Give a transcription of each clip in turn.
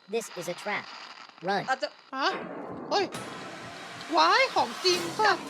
This is a trap. Run. อาจจะฮะเฮ้ยว้ายของจริงกลัค่ะบ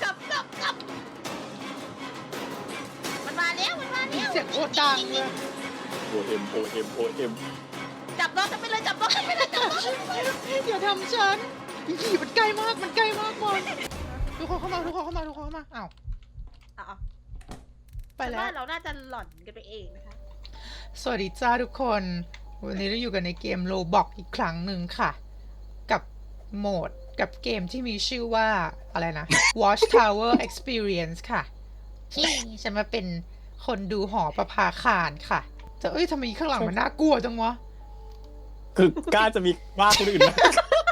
มันมาแล้วเสียงโคตรดังเลยโอเอ็มจับน้องฉันไปเลยจับน้องฉันไปเลยจับน้องฉันไปเลยอย่าทำฉันอีผีมันใกล้มากบอลทุกคนเข้ามาอ้าวอ่ะไปฉันแล้วว่าเราน่าจะหล่อนกันไปเองนะคะสวัสดีจ้าทุกคนวันนี้เราอยู่กันในเกมโลบอกอีกครั้งหนึ่งค่ะกับโหมดกับเกมที่มีชื่อว่าอะไรนะ Watch Tower Experience ค่ะที่ฉันมาเป็นคนดูหอประภาคารค่ะแต่เอ้ยทำไมข้างหลังมันน่ากลัวจังวะคือกล้าจะมีว่าคนอื่นนะ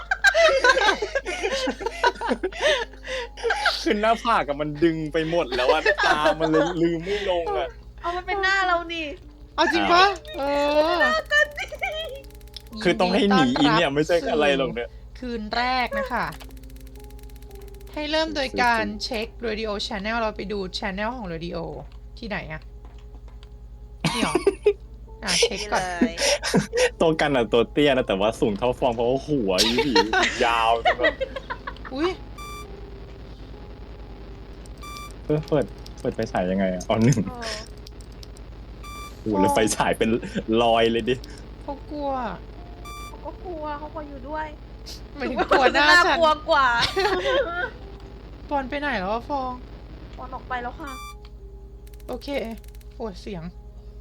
คือหน้าผากกับมันดึงไปหมดแล้วอะตามันเลยลืมไม่ลงอะเอามันเป็นหน้าเรานี่เอาจริงปะเออคือต้องให้หนีอินเนี่ยไม่ใช่อะไรหรอกเนี่ยคืนแรกนะคะ ให้เริ่มโดยการเช็ค Radio Channel เราไปดู Channel ของ Radio ที่ไหนอะนี่หรอ เช็คนี่ก่เลอนยตัวกันอะตัวเตี้ยนะแต่ว่าสูงเท่าฟองเพราะว่าหัวอีผียาวจนแบบอุ้ยเปิดไฟฉายยังไงอะอ๋อหนึ่งโอ้โอ้โหแล้วไฟฉายเป็นรอยเลยดิเขากลัวเขาก็กลัวเขาก็อยู่ด้วยหมายถึงกลัวหน้าฉันกลัวกว่าบอลไปไหนแล้ววะฟองปอนออกไปแล้วค่ะโอเคโอ้เสียง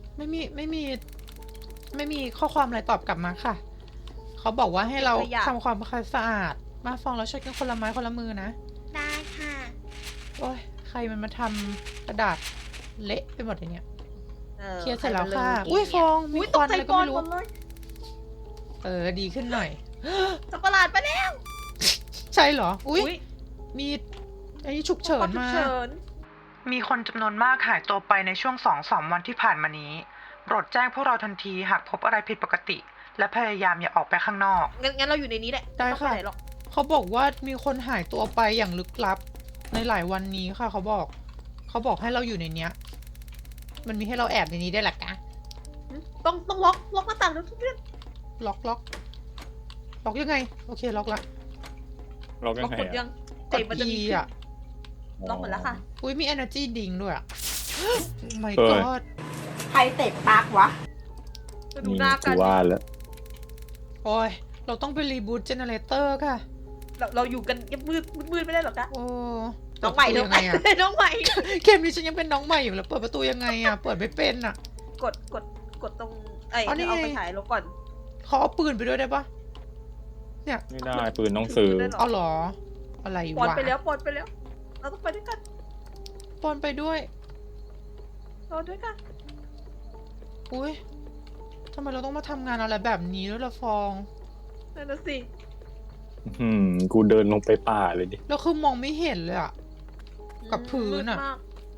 ไม่มีข้อความอะไรตอบกลับมาค่ะ เขาบอกว่าให้เราขยะทำความสะอาด มาฟองเราช่วยกันคนละไม้คนละมือนะได้ค่ะโอ้ยใครมันมาทำกระดาษเละไปหมดเลยเนี่ยออเคลียร์เสร็จแล้วค่ะใรมันอุ้ยฟองมีอุ้ยคตวักนใจอะไรก็ก่อนไม่รู้หมดเลยดีขึ้นหน่อยสัตว์ประหลาดไปแล้วใช่เหรอ อุ้ยอุ๊ยมีไอ้ฉุกเฉินมาฉุกเฉินมีคนจำนวนมากหายตัวไปในช่วง 2-3 วันที่ผ่านมานี้โปรดแจ้งพวกเราทันทีหากพบอะไรผิดปกติ และพยายามอย่าออกไปข้างนอกงั้นเราอยู่ในนี้แหละได้ม่ต้องค่ะปหนหรอกเขาบอกว่ามีคนหายตัวไปอย่างลึกลับในหลายวันนี้ค่ะ เขาบอกให้เราอยู่ในเนี้ย มันมีให้เราแอบในนี้ได้แหละกะต้องล็อกหน้าต่างแล้วทุกเรื่องล็อกยังไง โอเคล็อกละเรากันล็อกไงกดยัอะงกเตะดมันจะ E มีอ่ะล็อกหมดแล้วค่ะอุ้ยมี energy drink ด้วยอ่ะ my เออ god ใครเตะปากวะจะดูนี่หน้ากูกันว่าแล้วโอ้ยเราต้องไปรีบูตเจเนเรเตอร์ค่ะเราอยู่กันมืดไม่ได้หรอกนะโอ้น้องใหม่เปิดประตูยังไงอะน้องใหม่เกมนี้ฉันยังเป็นน้องใหม่อยู่แล้วเปิดประตูยังไงอ่ะ เปิดไม่เป็นอ่ะกดตรงไอ้อ๋อนี่เอาไปไงฉายลงก่อนเขาเอาปืนไปด้วยได้ปะเนี่ยไม่ได้ปืนต้องซื้อได้หรเอาเหรอ อะไรปอนวะไปแล้วเราต้องไปด้วยกันปอนไปด้วยเราด้วยกันอุ้ยทำไมเราต้องมาทำงานอะไรแบบนี้ด้วยล่ะฟองนั่นน่ะสิกูเดินลงไปป่าเลยดิแล้วคือมองไม่เห็นเลยอ่ะ กับพื้นอะมืดมาก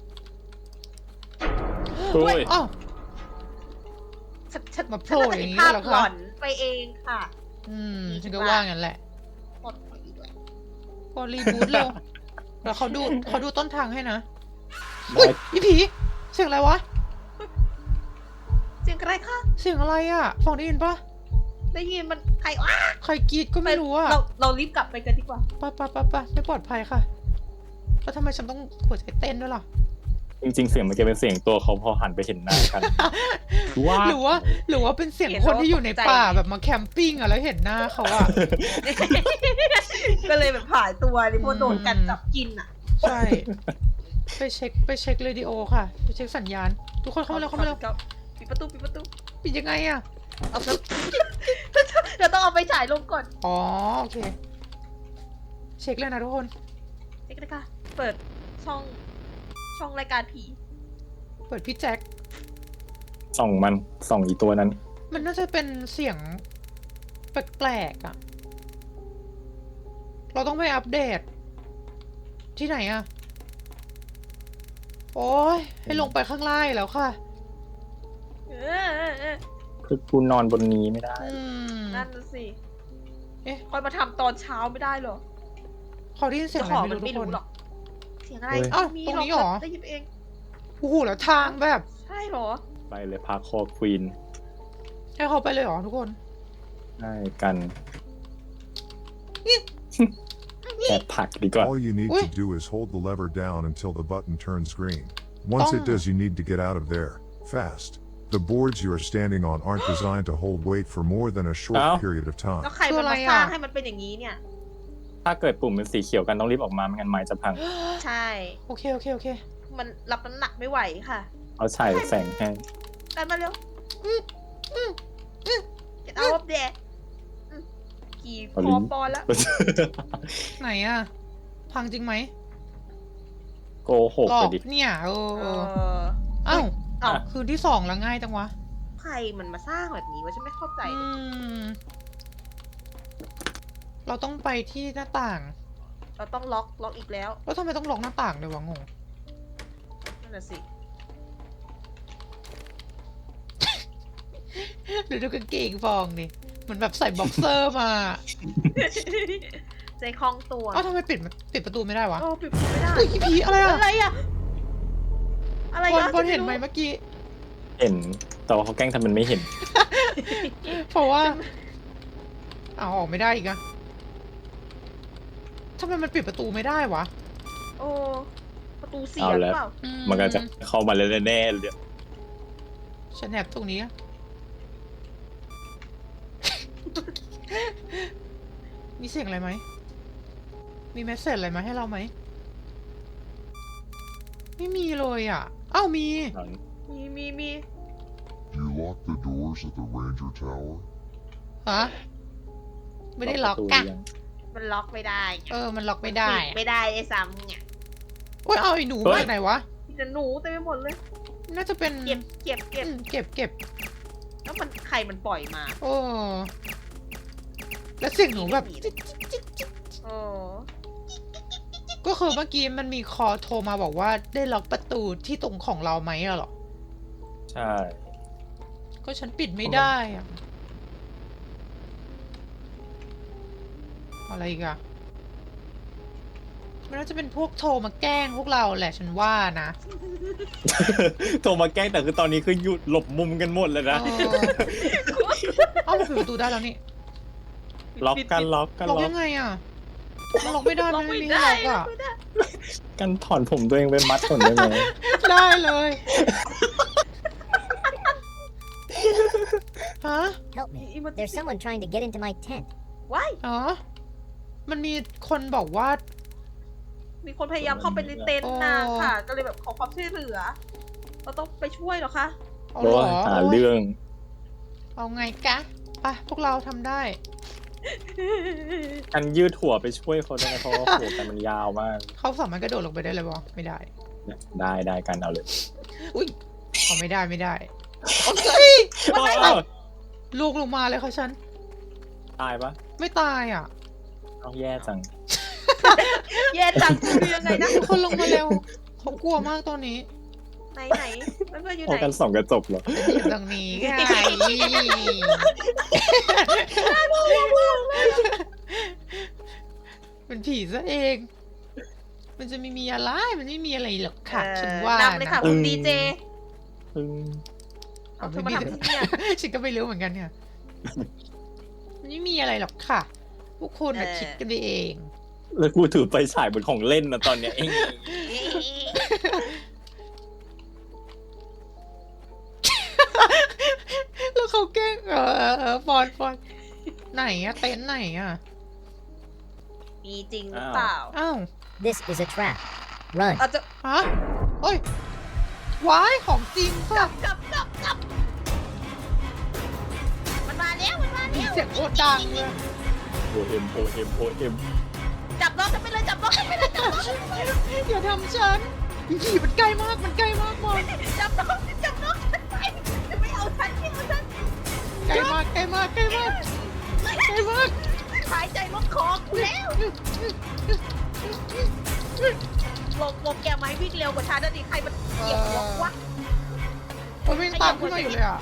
โอ้ยอ้าวฉันมาโผล่ฉันอย่างนี้ภาพเหรอคะหลอนไปเองค่ะฉันก็ว่างั้นแหละหมดไปด้วยพอรีบูตเร็วแล้วเขาดูต้นทางให้นะได้อุ้ยอีผี เสียงอะไรวะเสียงอะไรคะเสียงอะไรอ่ะฟองได้ยินปะได้ยินมันใครอ้าใครกรีดก็ไม่รู้อ่ะเรารีบกลับไปกันดีกว่าไปไม่ปลอดภัยค่ะ แล้วทำไมฉันต้องหัวใจเต้นด้วยล่ะจริงๆเสียงมันจะเป็นเสียงตัวเขาพอหันไปเห็นหน้ากันว่าหรือว่าเป็นเสียงคนที่อยู่ในป่าแบบมาแคมปิ้งอ่ะแล้วเห็นหน้าเขาอ่ะก็เลยแบบหายตัวนี่พวกโดนกันจับกินอ่ะใช่ ไปเช็คเรดิโอค่ะ ไปเช็คสัญญาณ ทุกคนเข้ามาเร็วปิดประตูปิดยังไงอ่ะเอาแล้วเราต้องเอาไปฉายลงก่อนอ๋อโอเค เช็คเลยนะทุกคนเด็กนะคะเปิดช่องรายการผีเปิดพี่แจ็คส่องอีตัวนั้นมันน่าจะเป็นเสียงแปลกๆอ่ะ เราต้องไปอัปเดต ที่ไหนอ่ะ โอ้ยให้ลงไปข้างล่างแล้วค่ะเออคือกูนอนบนนี้ไม่ได้นั่นน่ะสิเอ๊ะคอยมาทำตอนเช้าไม่ได้เหรอเขาได้ยินเสียงเจ้าอะขไรองไม่มันรู้ทุกคนไม่รู้หรอก เสียงอะไรเฮ้ยอ้าวมีตรงหรอกนี้เหรอได้ยินเองโอ้โหแล้วทางแบบใช่เหรอไปเลยพาคอควีนให้เขาไปเลยเหรอทุกคนได้กันแอบผลักดีกว่า All you need Ui. to do is hold the lever down until the button turns green. Once it does, you need to get out of there, fast. The boards you are standing on aren't designed to hold weight for more than a short Ow. period of แล้ว time. ใครมันมาสร้างให้มันเป็นอย่างนี้เนี่ยถ้าเกิดปุ่มเป็นสีเขียวกันต้องรีบออกมาไม่งั้นไม้จะพังใช่โอเคโอเคโอเคมันรับน้ำหนักไม่ไหวค่ะเอาฉายแสงให้กันมาเร็วGet out of there กี่พอปอนแล้วไหนอะพังจริงไหมโกหกหลอไปกดิเนี่ยเเออออเอ้าเอ้าคืนที่สองแล้วง่ายจังวะใครมันมาสร้างแบบนี้วะฉันไม่เข้าใจอืม เราต้องไปที่หน้าต่างเราต้องล็อกอีกแล้วแล้วทำไมต้องล็อกหน้าต่างเลยวะงงนั่นน่ะสิหรือดูกางเกงฟองนี่เหมือนแบบใส่บ็อกเซอร์มาใจคล่องตัวเอ้าทำไมปิดประตูไม่ได้วะโอ้ปิดไม่ได้เฮ้ยผีอะไรอะอะไรอะอะไรบอลอะบอลเห็นไหมเมื่อกี้เห็น แต่ว่าเขาแกล้งทำมันไม่เห็นเพราะว่าเอาออกไม่ได้อีกอะทำไมมันปิดประตูไม่ได้วะโอ้ประตูเสียเอาหรืแล้อวเปล่ามันก็จะเข้ามาแล้วแน่ๆเลยฉันแอบตรงนี้อะ มีเสียงอะไรไหม มีเมสเซจอะไรมาให้เราไหม ไม่มีเลยอ่ะ อ้าวมีมี You lock the doors at the Ranger Tower? ฮะ ไม่ได้ล็อกกะมันล็อกไม่ได้เออ มันล็อกไม่ได้ปิไม่ได้ไอ้ซ้ำเนี่ยโอ้ย เอาไอ้หนูมาจากไหนวะมีแต่หนูเต็มไปหมดเลยน่าจะเป็นเก็บอืมเก็บแล้วมันใครมันปล่อยมาโอ้ แล้วเสียงหนูแบบโอ้ก็คือเมื่อกี้มันมีคอโทรมาบอกว่าได้ล็อกประตูที่ตรงของเราไหมอะเหรอใช่ก็ฉันปิดไม่ได้อะอะไรอีกอะมันน่าจะเป็นพวกโทรมาแกล้งพวกเราแหละฉันว่านะโทรมาแกล้งแต่คือตอนนี้คือหยุดหลบมุมกันหมดเลยนะเออเอ้าเราปิดประตูได้แล้วนี่ล็อกกันล็อกกันล็อกล็อกยังไงอะมันล็อกไม่ได้ล็มัอน กไม่ไม่มีได้ให้ล็อกล็ออะกไม่ได้กันถอนผมตัวเองไปมัดก่อนได้ไหมได้เลยฮะ Help me. There's someone trying to get into my tent. ว้ายอ๋อมันมีคนบอกว่ามีคนพยายามเข้าไปในเต็นท์นางค่ะ ก็เลยแบบขอความช่วยเหลือ เราต้องไปช่วยเหรอคะเอาเพราะเหรว่าอหาเรื่องเอาไงกะไปพวกเราทำได้กันยืดหัวไปช่วยเขาได้ไหมเพราะว่าหัวกันมันยาวมากเขาสามารถกระโดดลงไปได้เลยบอไม่ได้ได้กันเอาเลยอุ้ยเอาไม่ได้โอ้ยลูกลงมาเลยค่ะฉันตายปะไม่ตายอ่ะเอาแย่จังแย่จังคือยังไงนะทุกคนลงมาเร็วเขากลัวมากตอนนี้ไหนเพื่อนๆอยู่พอไหนกันส่องกระจกเหรออยู่ตรงนี้ไงเป็นผีซะเอง มันจะไม่มีอะไรมันไม่มีอะไรหรอกค่ะฉันว่านำเลยค่ะนะคุณดีเจพึ่งเอาเธอมาทำที่เนี่ยฉันก็ไม่รู้เหมือนกันเนี่ยมันไม่มีอะไรหรอกค่ะพวกคุณน่ะคิดกันไปเองแล้วกูถือไฟฉายบนของเล่นนะตอนเนี้ยเองแล้วเขาแกล้งฟอนไหนอะเต็นท์ไหนอะมีจริงหรือเปล่าอ้าว This is a trap. Run. เราจะฮะเอ้ย ว้าย ของจริงกลัค่ะบมันมาแล้วเสียงโคตรดังเลยโอเอ็มจับน้องฉันไปเลยจับน้องฉันไปเลยจับน้องฉันไปเลยอย่าทำฉันผีมันใกล้มากบอลจับน้องฉันไปจะไม่เอาฉันที่เอาฉันใกล้มากหายใจลดคอกูแล้วลงแกไม้วิ่งเร็วกว่าฉันนะดิใครมันเหยียบหัววะมันวิ่งตามขึ้นมาอยู่เลยอ่ะ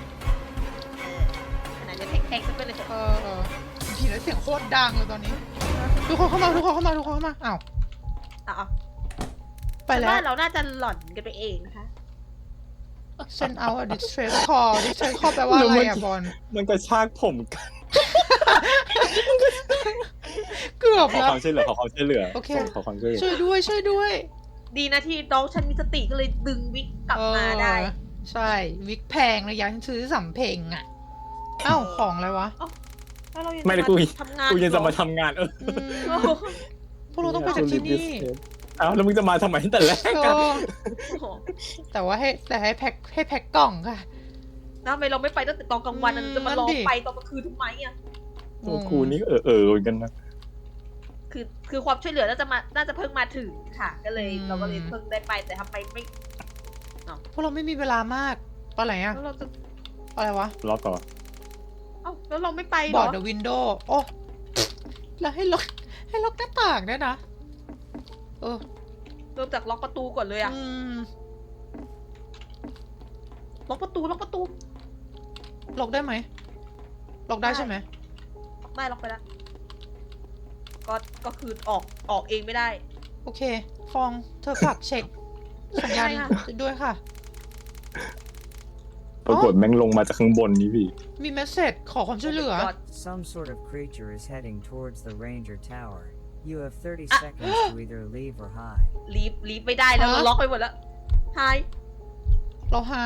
ขนาดจะแทงฉันไปเลยเถอะผีแล้วเสียงโคตรดังเลยตอนนี้ ทุกคนเข้ามาอ้าวอ่ะไปแล้วเราน่าจะหล่อนกันไปเองนะคะ send out a distress call แปลว่าอะไรอ่ะบอลมันกระชากผมกันเกือบขอแล้วความช่วยเหลือขอความช่วยเหลือโอเคขอความช่วยเหลือช่วยด้วยช่วยด้วยดีนะที่น้องฉันมีสติก็เลยดึงวิกกลับมาได้เออใช่วิกแพงเลยยังซื้อสำเพ็งอ่ะเอ้าของอะไรวะแล้วเรายังไม่ได้กูทำงานกูยังจะมาเหรอทำงานอืมพวกเราต้องไปจากที่นี่เอ้าแล้วมึงจะมาทำไมตั้งแต่แรกเอกันอโอ้โหแต่ว่าให้แพ็คกล่องค่ะแล้วทำไมเราไม่ไปตั้งแต่ตอนกลางวันอะจะมารอนั่นดิไปตอนกลางคืนทำไมอ่ะตัวกูนี่เหมือนกันนะคือความช่วยเหลือน่าจะเพิ่งมาถึงค่ะ ก็เลยเราก็เลยเพิ่งได้ไปแต่ทำไมไม่พวกเราไม่มีเวลามากตอนไหนอะแล้วเราจะอะไรวะรอก่อนเอ้าแล้วเราไม่ไปเหบรออร์ดเดอะวินโดว์โอ้แล้วให้ล็อกหน้าต่างด้วยนะเออเริ่มจากล็อกประตูก่อนเลยอะอืมล็อกประตูล็อกได้ไหมล็อกได้ใช่ไหมได้ล็อกไปแล้วก็คือออกเองไม่ได้โอเค ฟองเธอฝากเช็คสัญญาณได้ค่ะด้วยค่ะปรากฏแม่งลงมาจากข้างบนนี่พี่มีเมสเซจขอความช่วยเหลือ Some sort of creature is heading towards the Ranger Tower. You have 30 Ah. seconds to either leave or hide. ลีฟไม่ได้แล้วฮะเราล็อกไปหมดแล้วไฮเราไฮ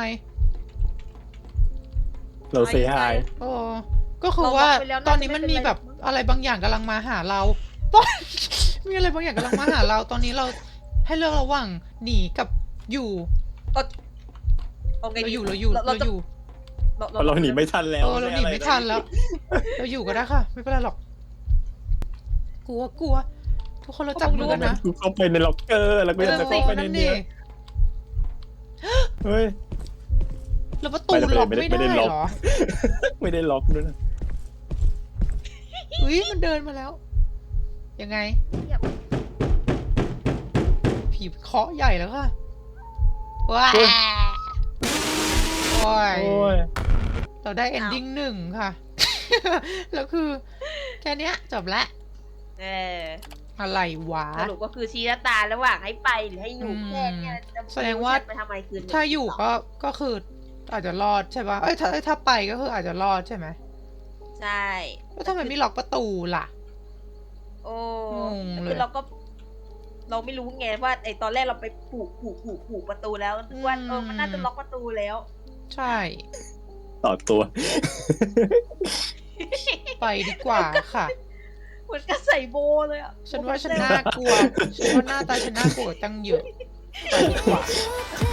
เราเซฮายเออก็คือว่าเราล็อกไปแล้วตอนนี้มันน่าจะมีไม่เป็นไรแบบอะไรบางอย่างกำลังมาหาเรา มีอะไรบางอย่างกำลังมาหาเรา ตอนนี้เราให้เลือกระหว่างหนีกับอยู่เอาไงเราดีอยู่เราอยู่เราเราจะอยู่เราหนีไม่ทันแล้วเออเราหนีไม่ทันแล้ว เราอยู่ก็ได้ค่ะ ไม่เป็นไรหรอก กลัวทุกคนเราจับมือกันนะกูเข้าไปในล็อกเกอร์แล้วก็ยังจะเข้าไปในนั่นเนี้ดิยเฮ้ยแล้วประตูไม่ได้ล็อกไม่ได้ไม่ไม่ได้ได้ล็อกเหรอไม่ได้ล็อกด้วยนะอุ้ยมันเดินมาแล้ว ยังไง ผีเคาะใหญ่แล้วค่ะ ว้าโอ้ยโอ้ยเราได้ ending หนึ่งค่ะ แล้วคือ แค่เนี้ยจบละเอออะไรวะสรุปก็คือชี้ชะตาระหว่างให้ไปหรือให้อยู่อืมแค่เนี้ยจะแสดงว่าไปทำไมคืนนี้ถ้าอยู่ก็คืออาจจะรอดใช่ปะเอ้ยถ้าไปก็คืออาจจะรอดใช่ไหมใช่แล้วทำไมไม่ล็อกประตูล่ะโอ้งงแต่เลยคือเราไม่รู้ไงว่าไอตอนแรกเราไปผูกประตูแล้วว่ามันน่าจะล็อกประตูแล้วใช่ต่อตัวไปดีกว่าค่ะเหมือนกับใส่โบเลยอ่ะฉันว่าฉันน่ากลัว ฉันว่าหน้าตาฉันน่ากลัวตั้งเยอะ ไปดีกว่า